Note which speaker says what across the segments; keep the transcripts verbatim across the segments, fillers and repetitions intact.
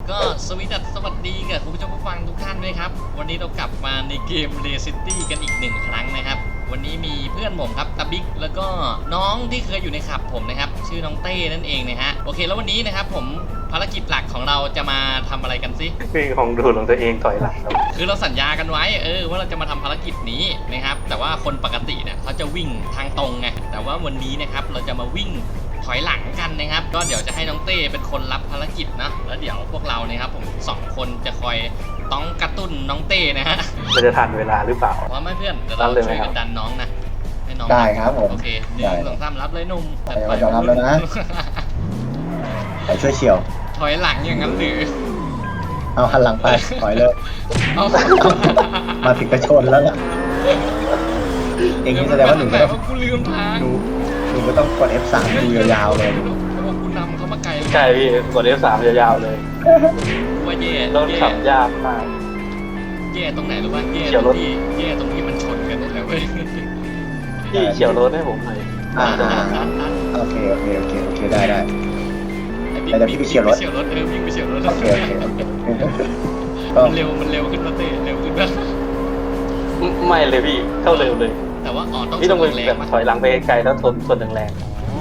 Speaker 1: ก็สวีดัสสวัสดีกับคุณผู้ชมผู้ฟังทุกท่านด้วยครับวันนี้เรากลับมาในเกม Ray City กันอีกหนึ่งครั้งนะครับวันนี้มีเพื่อนผมครับตาบิ๊กแล้วก็น้องที่เคยอยู่ในขับผมนะครับชื่อน้องเต้นั่นเองนะฮะโอเคแล้ววันนี้นะครับผมภารกิจหลักของเราจะมาทำอะไรกันสิ
Speaker 2: คือของดูของตัวเองถอยหลังครับ
Speaker 1: คือเราสัญญากันไว้เออว่าเราจะมาทำภารกิจนี้นะครับแต่ว่าคนปกติเนี่ยเขาจะวิ่งทางตรงไงแต่ว่าวันนี้นะครับเราจะมาวิ่งถอยหลังกันนะครับก็เดี๋ยวจะให้น้องเต้เป็นคนรับภารกิจนะแล้วเดี๋ยวพวกเราเนี่ยครับผมสองคนจะคอยต้องกระตุ้นน้องเต้นะฮะ
Speaker 2: เราจะทันเวลาหรือเปล่า
Speaker 1: พร้อมไหมเพื่อนเดี๋ยวเราช่วยกันดันน้องนะให้น้อง
Speaker 3: ได้ครับผม
Speaker 1: โอเคหนึ่งสองสามรับเลยหนุ่ม
Speaker 3: ไปจะรับแล้วนะไปช่วยเฉียว
Speaker 1: ถอยหลังอย่างนั้นหรือ
Speaker 3: เอาหันหลังไปถอยเลย
Speaker 1: เอา
Speaker 3: มาถึงกระชนแล้วล่ะเองนี่แสดงว่าหนูก็ต้อง
Speaker 1: กูลืมทาง
Speaker 3: หนูหนูก็ต้องกด เอฟ สาม ดูยาวๆเลย
Speaker 1: กูนำเขามาไกล
Speaker 2: ใช่พี่กด เอฟ สาม ยาวๆเลย
Speaker 1: ว่าแย่
Speaker 2: รถขับยากมาก
Speaker 1: แย่ตรงไหนหรือว่าแย่ตรงที่แย่ตรงที่มันชนกันนี่แหละเว้ย
Speaker 2: พี่เฉียวรถให้ผมหน่อย
Speaker 3: อ่าโอเคโอเคโอเคโอเคได้ได้แต่พี่ไปเฉียวรถ
Speaker 1: เฉียวรถเออพี่ไปเฉียวรถ
Speaker 3: โอเคโอเค
Speaker 1: มันเร็วมันเร็วขึ้นมาเตะเร็วขึ้นมา
Speaker 2: ไม่เลยพี่เข้าเร็วเลย
Speaker 1: แต่ว่าอ๋อต้อง
Speaker 2: พี่ต้องเป็นแบบถอยหลังไปไกลแล้วทนทนแรง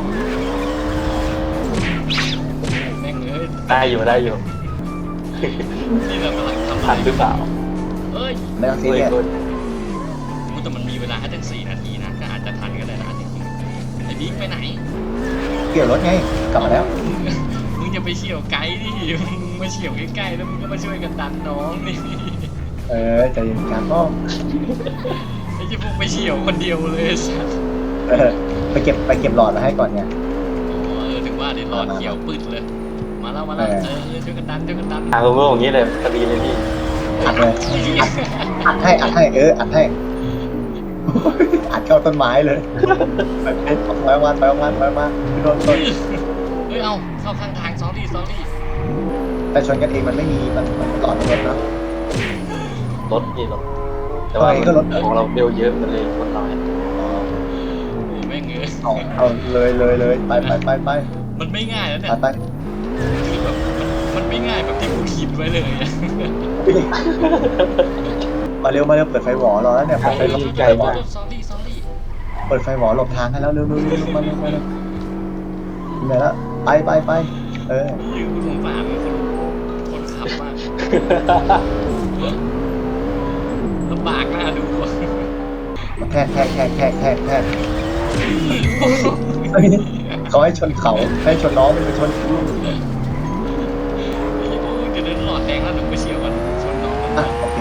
Speaker 1: แม่งเลย
Speaker 2: ได้อยู่ได้อยู่
Speaker 1: นี่เรากำลังทำ
Speaker 2: ทันหรือเปล่า
Speaker 1: เอ้ย
Speaker 3: ไม่ต้องซีเรียส
Speaker 1: แต่มันมีเวลาแค่ตั้งสี่นาทีนะก็อาจจะทันก็ได้นะจริงๆไอ้บิ๊กไปไหน
Speaker 3: เกี่ยวรถไงกลับมาแล้ว
Speaker 1: มึงจะไปเฉี่ยวไกด์ดิมึงมาเฉี่ยวใกล้ๆแล้วมึงก็มาช่วยกันดันน้องนี่
Speaker 3: เออใจเย็นกันก็
Speaker 1: ไอ้ที่พวกไปเฉี่ยวคนเดียวเลย
Speaker 3: เออไปเก็บไปเก็บหลอดมาให้ก่อนเนี่ย
Speaker 1: อ๋อเออถึงว่าเดี๋ยวหลอดเขียวปืดเลยมาแล้วมาแล้วเออช่วยกันดันช่วยกันดัน
Speaker 2: อ่ะผมก็อย่างนี้เลยพอดีเลยพี่
Speaker 3: อัดเลยอัดให้อัดให้เอออัดให้อัดเข้าต้นไม้เลยถอยออกมาถอยออกมาถอยออกมาโดนต้น
Speaker 1: เฮ้ยเอาเข้าข้างทางซอรี่ซอรี่
Speaker 3: แต่ชนกันเองมันไม่มีมันมันหลอดรถนะ
Speaker 2: รถนี่รถแต่ว่าของเราเร็วเยอะมันเลยรถน้อย
Speaker 1: ไม่เงย
Speaker 3: เอาเอาเลยเลยเลยไปไปไปไป
Speaker 1: มันไม่ง่ายแล้วเนี่ย
Speaker 3: ไป
Speaker 1: คือแบบมันไม่ง่ายแบบที่กูคิดไว้เลย
Speaker 3: มาเร็วมาเร็วเปิดไฟหวอรอแล้วเนี่ยเปิดไฟ
Speaker 1: ไกลมากซอรี่ซอรี่
Speaker 3: เปิดไฟหวอหลบทางให้แล้วเร็วเร็วเร็วมาเร็วมาเร็วเหนื่อยแล้วไปไปไปเออ
Speaker 1: ยืมสงสารคนคนขับมากลำบากน่าดู
Speaker 3: แค่แค่แค่แค่แค่แค่เขาให้ชนเขาให้ชนน้องไม่ไปชนกู
Speaker 1: จะเดินหลอดแดงแล้วหนูไปเฉียวกันชนน้อง
Speaker 3: อ่ะโอเค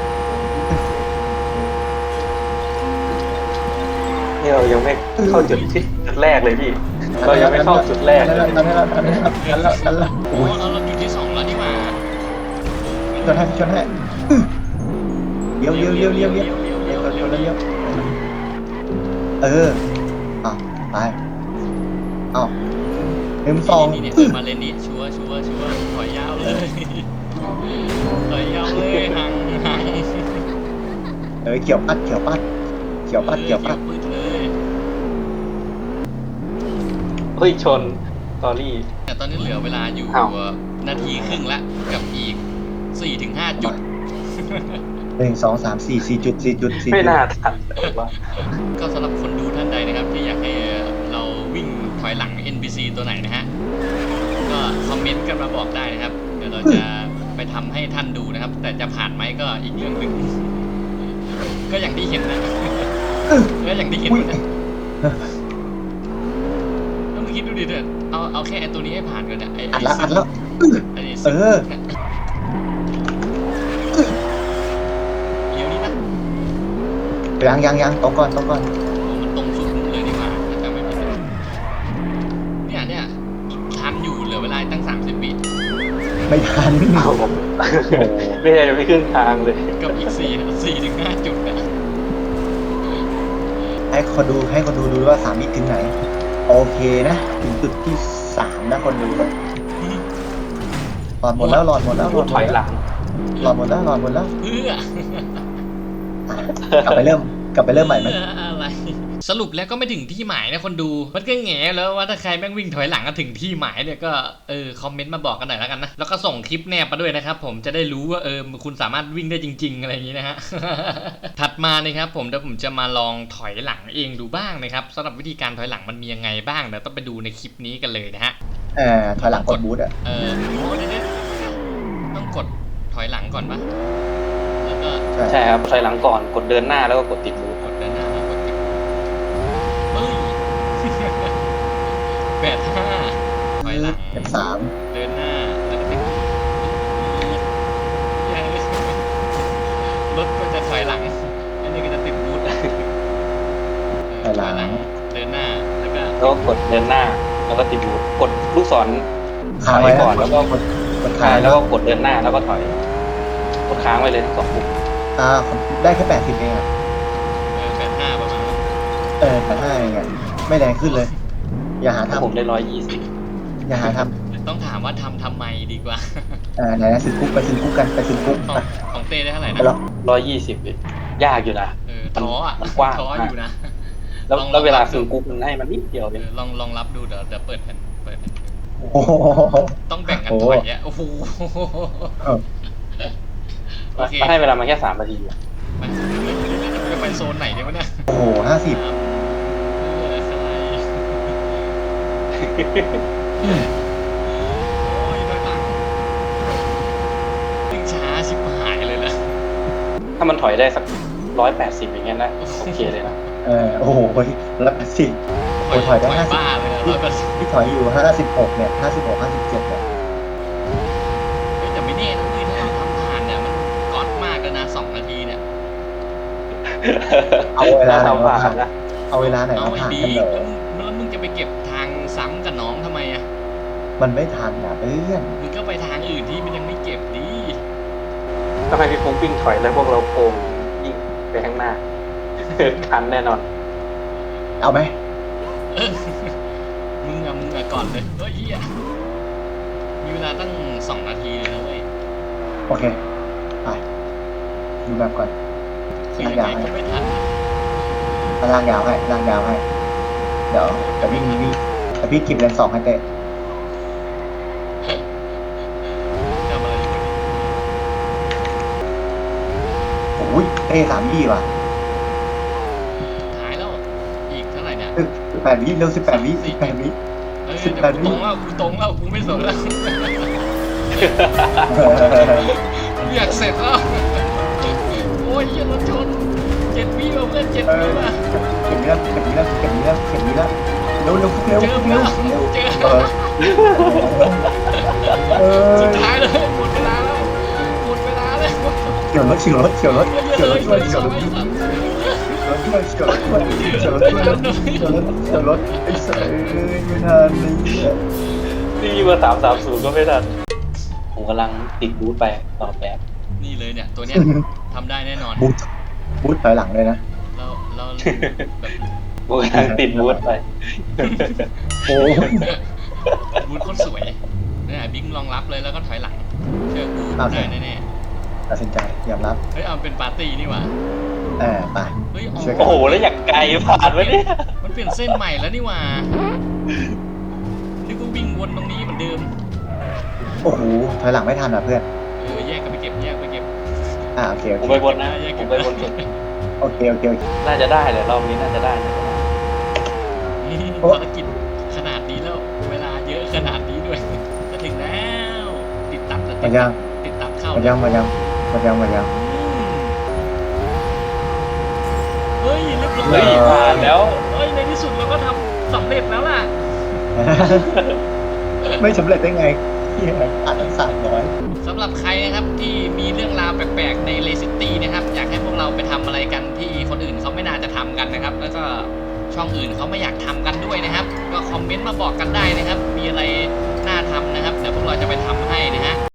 Speaker 2: นี่เรายังไม่เข้าจุดที่จุดแรกเลยพี่เรายังไม่เข้าจุดแรกเลย
Speaker 3: นั่นแล้วนั่นแล้วนั่นแล้วนั่นแล้ว
Speaker 1: โอ้เราเราจุดที่สองแล้วนี่มา
Speaker 3: ชนให้ชนให้เลี้ยวเลี้ยวเลี้ยวเลี้ยวเลี้ยวเลี้ยวเลี้ยวเลี้ยวเอออ่ะไปอ้าวเอ็มสอง
Speaker 1: นี่เนี่ยมาเลนนี้ชัวชัวชัวถอยยาวเลยถอยยาวเลยห่างห่าง
Speaker 3: เออเกี่ยวปัดเกี่ยวปัดเกี่ยวปัดเกี่ยวปัด
Speaker 2: เฮ้ยชนตอรี่
Speaker 1: แต่ตอนนี้เหลือเวลาอยู่นาทีครึ่งละกับอีกสี่ถึงห้าจุด
Speaker 3: หนึ่งสองสามสี่สี่จุดสี่จุดสี่
Speaker 2: ไม่น่าทันเลยว่า
Speaker 1: ก็สำหรับคนดูท่านใดนะครับที่อยากให้เราวิ่งถอยหลัง เอ็น พี ซี ตัวไหนนะฮะก็คอมเมนต์กันมาบอกได้นะครับเดี๋ยวเราจะไปทำให้ท่านดูนะครับแต่จะผ่านไหมก็อีกเรื่องหนึ่งก็อย่างที่เห็นนะก็อย่างที่เห็นนะต้องคิดดูดิเถอะเอาเอาแค่ตัวนี้ให้ผ่านก่อนเนี่ยไอ้
Speaker 3: อัดละอัดละเออยังยังยังตรงก่อนตรงก่อน
Speaker 1: มันตรงสุดเลยดีกว่าจะไม่ผิดเนี่ยเนี่ยทันอยู่เหลือเวลาตั้งสามสิบวิ
Speaker 3: ไม่ทัน
Speaker 2: เอาไม่ได้ไม่ครึ่งทางเลย
Speaker 1: กับอีกสี่สี่ถึงห้าจุดนะ
Speaker 3: ให้คนดูให้คนดูดูว่าสามวิถึงไหนโอเคนะถึงจุดที่สามนะคนดูหลอดหมดแล้วหลอดหมดแล้วหลอด
Speaker 2: ถอยหลัง
Speaker 3: หลอดหมดแล้วหลอดหมดแล้ว
Speaker 1: เพื่อก
Speaker 3: ลับไปเริ่มกลับไปเริ่มใหม่ไหม
Speaker 1: อะไรสรุปแล้วก็ไม่ถึงที่หมายนะคนดูมันก็แง่แล้วว่าถ้าใครแม่งวิ่งถอยหลังก็ถึงที่หมายเนี่ยก็เออคอมเมนต์มาบอกกันหน่อยแล้วกันนะแล้วก็ส่งคลิปแนบมาด้วยนะครับผมจะได้รู้ว่าเออคุณสามารถวิ่งได้จริงๆอะไรอย่างนี้นะฮะ ถัดมานะครับผมเดี๋ยวผมจะมาลองถอยหลังเองดูบ้างนะครับสำหรับวิธีการถอยหลังมันมียังไงบ้างเดี๋ยวต้องไปดูในคลิปนี้กันเลยนะฮะ
Speaker 3: เออถอยหลังกดบูทอ่ะ
Speaker 1: เออโอ้เดี๋ยวๆต้องกดถอยหลังก่อนปะแล้วก็
Speaker 2: ใช่ครับถอยหลังก่อนกดเดินหน้าแล้วก็กดติดบูท
Speaker 1: กดด้านหน้าแล้วกดติดเฮ้ย แปดห้าถอยหลัง
Speaker 3: เป็นสาม
Speaker 1: เดินหน้าแล้วก็ติดรถก็จะถอยหลังอันนี้ก็จะติดบูท
Speaker 3: ถอยหลัง
Speaker 1: เดินหน้าแล้วก็
Speaker 2: แล้วก็กดเดินหน้าแล้วก็ติดบูทกดลูกศร
Speaker 3: ค้างไว้
Speaker 2: ก่อนแล้วก็
Speaker 3: กดกด
Speaker 2: ค้า
Speaker 3: ค้าง ง
Speaker 2: แล้วก็กดเดินหน้าแล้วก็ถอยกดค้างไว้เลยทั้งสองปุ่ม
Speaker 3: อ่าผมได้แค่แปดสิบเองอ่ะ
Speaker 1: เออแปดห้าประมาณนั้น
Speaker 3: เออแปดห้าเองอ่ะไม่แรงขึ้นเลย อย่าหา
Speaker 2: ผม
Speaker 3: ทำ
Speaker 2: ได้ร้อยยี่สิบ
Speaker 3: อย่าหาท
Speaker 1: ต้องถามว่าทำทำไมดีกว่า
Speaker 3: ำเออไหนนะซื้อคุกไปซื้อคุกกันไปซื้อคุก
Speaker 1: ของ
Speaker 3: ไป
Speaker 1: ของเต้ได้เท่าไหร่
Speaker 3: ไป
Speaker 1: นะ
Speaker 3: แล้ว
Speaker 2: ร้อยยี่สิบยากอยู่นะ
Speaker 1: เออท้ออ่ะ
Speaker 2: มันกว้าง
Speaker 1: ท้ออยู่นะ
Speaker 2: แล้ว
Speaker 1: อง
Speaker 2: แล้วเวลา
Speaker 1: รับ
Speaker 2: ซื้อ
Speaker 1: ดู
Speaker 2: กุ๊กมันให้มันนิดเดียว
Speaker 1: เอ
Speaker 2: เอง
Speaker 1: อลองลองรับดูเดี๋ยวเดี๋ยวเปิดแผ่นเปิดแผ่น
Speaker 3: โอ้โห
Speaker 1: ต้องแบ่งกัน
Speaker 3: โอ้
Speaker 1: ถอยอ่ะโอ้โห
Speaker 3: เออ
Speaker 1: โอเค
Speaker 2: มันให้เวลามาแค่สามนาทีอะ
Speaker 1: ไปจะไปโซนไหนดีวะเนี่ย
Speaker 3: โอ้โหห้าสิบ
Speaker 1: เออสไลด์โอ้ยถอยหลังวิ่งช้าชิบหายเลยนะ
Speaker 2: ถ้ามันถอยได้สักร้อยแปดสิบอย่างเงี้ยนะโอเคเลยนะ
Speaker 3: เออโอ้โหแล้วสิบโอ้ยถอยได้ห้าสิบ
Speaker 1: บ้าเลยนะร้อยแปดสิบ
Speaker 3: ที่ถอยอยู่ห้าสิบหกเนี่ยห้าสิบหกห้าสิบเจ็ดเนี่ย
Speaker 1: เฮ้ยแต่ไม่แน่นะเว้ยถ้าเราทำผ่านเนี่ยมันก๊อตมากแล้วนะสองนาทีเนี่ย
Speaker 3: เอาเวลาไหน
Speaker 2: ทำ
Speaker 3: มา
Speaker 2: ผ่า
Speaker 3: ผ่าน น
Speaker 2: นะ
Speaker 3: เอาเวลาไหน
Speaker 1: เอา
Speaker 3: มา
Speaker 1: ไอ้
Speaker 3: ผ่าน
Speaker 1: บี
Speaker 3: กันเหรอ
Speaker 1: แล้วมึงจะไปเก็บทางซ้ำกับน้องทำไมอ่ะ
Speaker 3: มันไม่ทันอ่ะเพื่อน
Speaker 1: มึงก็ไปทางอื่นที่มันยังไม่เก็บดี
Speaker 2: ทำไมพี่ฟุ้งวิ่งถอยแล้วพวกเราโกงยิ่งไปข้างหน้า ทันแน่นอน
Speaker 3: เอาไหม
Speaker 1: เออมึงอะมึงอะก่อนเลยเฮ้ยเหี้ยมีเวลาตั้งสองนาทีเลยนะเว้ย
Speaker 3: โอเคไปดูแบบก่อน
Speaker 1: คือยังไงก็ไม่ทันอะ
Speaker 3: ถ้าล่างยาวให้ล่างยาวให้เดี๋ยวแต่วิ่งวิ่งแต่พี่กิบเลนสองให้เตะ
Speaker 1: ทำอะไรอยู่วะเนี่ย
Speaker 3: โอ้ยเตะสามยี่ว่ะ
Speaker 1: หายแล้วอีกเท่าไหร่เนี่ย
Speaker 3: สิบแปดวิเร็วสิบแปดวิสิบแปดวิ
Speaker 1: เฮ้ย
Speaker 3: สิบ
Speaker 1: เดี๋ยว
Speaker 3: แปด
Speaker 1: กู
Speaker 3: วิ
Speaker 1: ตรงแล้วกูตรงแล้วกูไม่สนแล้วกูอยากเสร็จแล้วโอ้ยเหี้ยรถชนเจ็ดวิว่ะเพื่อนเจ็ด
Speaker 3: เอ
Speaker 1: วิ
Speaker 3: อ
Speaker 1: ว่ะ
Speaker 3: เข็มนี้แล้วเข็มนี้แล้วเข็มนี้แล้วเข็มนี้แล้วเร็วเร็วเร็ว
Speaker 1: เจอ
Speaker 3: เร็ว
Speaker 1: แล้
Speaker 3: เร็
Speaker 1: ว
Speaker 3: วเร็ว
Speaker 1: เจอ
Speaker 3: เออเออ
Speaker 1: สุดท้ายเลยหมดเวลาแล้วหมดเวลาแล้ว
Speaker 3: เฉียวรถเฉียวรถเฉียวรถเฉียวรถ
Speaker 1: เล
Speaker 3: ช่วย
Speaker 1: ย
Speaker 3: เฉียวรถ
Speaker 1: เลย
Speaker 3: เฉียวรถช่วยเฉียวรถช่วยเฉียวรถช่วยเฉียวรถเฉียวรถไอ้เสยไม่ทันนี่
Speaker 2: นี่มาสามสามศูนย์ก็ไม่ทันผมกำลังติดบูทไปต่อแบบ
Speaker 1: นี่เลยเนี่ยตัวเนี้ยทำได้แน่นอน
Speaker 3: บูทบูทถอยหลังเลยนะ
Speaker 1: เราเราแบบ
Speaker 2: ผมกำลังติดบูทไป
Speaker 3: โอ้
Speaker 1: บูธโคตรสวยเนี่ยบิ๊กลองรับเลยแล้วก็ถอยหลังเชื่อกูได้แน่
Speaker 3: ตัดสินใจยอมรับ
Speaker 1: ๆเฮ้ยเอาเป็นปาร์ตี้นี่หว่า
Speaker 3: เออไป
Speaker 1: เฮ้ย
Speaker 3: ช่วยกั
Speaker 2: โอ้โหแล้วอย่างไกลผ่านวะเนี่ย
Speaker 1: มันเปลี่ยนเส้นใหม่แล้วนี่หว่านี่กูวิ่งวนตรงนี้เหมือนเดิม
Speaker 3: โอ้โหถอยหลังไม่ทันอ่ะเพื่อน
Speaker 1: เออแยกกันไปเก็บแยกไปเก็บ
Speaker 3: อ่าโอเคโอ
Speaker 2: ผม
Speaker 3: เค
Speaker 2: ไปบนนะผมไปบนสุด
Speaker 3: โอเคโอเคโอเค
Speaker 2: น่าจะได้เลยรอบนี้น่าจะได้นะ
Speaker 1: นี่ภารกิจขนาดนี้แล้วเวลาเยอะขนาดนี้ด้วยจะถึงแล้วติดตับจะติ
Speaker 3: มา
Speaker 1: ด
Speaker 3: ยัง
Speaker 1: ติดตับเข้า
Speaker 3: มายังมายังมายังมายัง
Speaker 1: อืมเฮ้ยเรียบร้อย
Speaker 2: เฮ้ยผ่านแล้ว
Speaker 1: เฮ้ยในที่สุดเราก็ทำสำเร็จแล้วล่ะ
Speaker 3: ไม่สำเร็จได้ไงเฮียอ่านตั้งสามร้อย
Speaker 1: สำหรับใครนะครับที่มีเรื่องราวแปลกๆในเลซิตี้นะครับอยากให้พวกเราไปทำอะไรกันที่คนอื่นเขาไม่น่าจะทำกันนะครับ แล้วก็ช่องอื่นเขาไม่อยากทำกันด้วยนะครับ ก็คอมเมนต์มาบอกกันได้นะครับ มีอะไรน่าทำนะครับเดี๋ยวพวกเราจะไปทำให้นะฮะ